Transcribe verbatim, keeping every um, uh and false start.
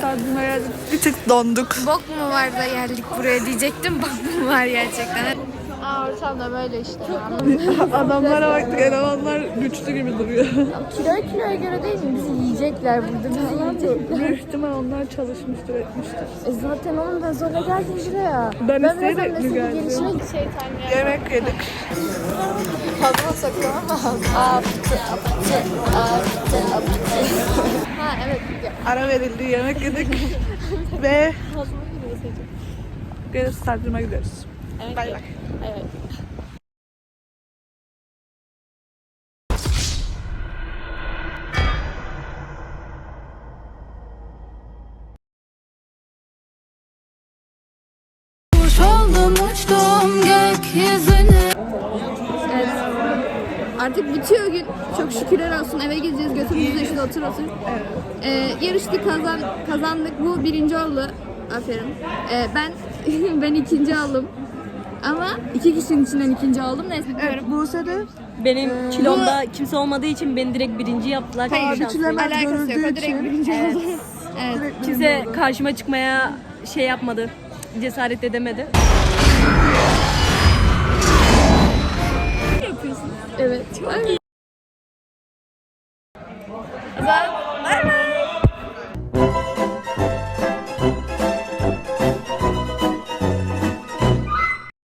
stadyuma geldik. Bir tık donduk. Bok mu var da geldik buraya diyecektim. Bok mu var gerçekten. Aa, ortam da böyle işte. Adamlara baktık, elemanlar güçlü gibi duruyor. Kilo kiloya göre değil mi? Bizi yiyecekler burada. Bizi yiyecekler. Büyük ihtimal onlar çalışmıştır, etmiştir. E zaten onu da zorla geldim buraya. Ben biraz isteyerek mi mesleki geldim? gelişime şeytan ya. Yemek yedik. Fazla saklamam lazım. Aptı, aptı, aptı, aptı. Ha evet. Ara verildi, yemek yedik. Ve geri stadyuma gidiyoruz. Evet. Bay bay. Evet. Oldum uçtum gökyüzüne. Evet. Artık bitiyor gün. Çok şükürler olsun. Eve gideceğiz. Götümüzü işte otur otur. Ee, yarıştık, kazan, kazandık. Bu birinci oldu. Aferin. Ee, ben ben ikinci aldım. Ama iki kişinin içinden ikinci aldım. Neyse. Evet, Buse de Benim kilomda kimse olmadığı için beni direkt birinci yaptılar. Hayır, Şanslı. biçilemez alakası yok. görüldüğü O direkt için. birinci oldu. Evet. direkt Kimse karşıma çıkmaya şey yapmadı. Cesaret edemedi. Evet. Ay.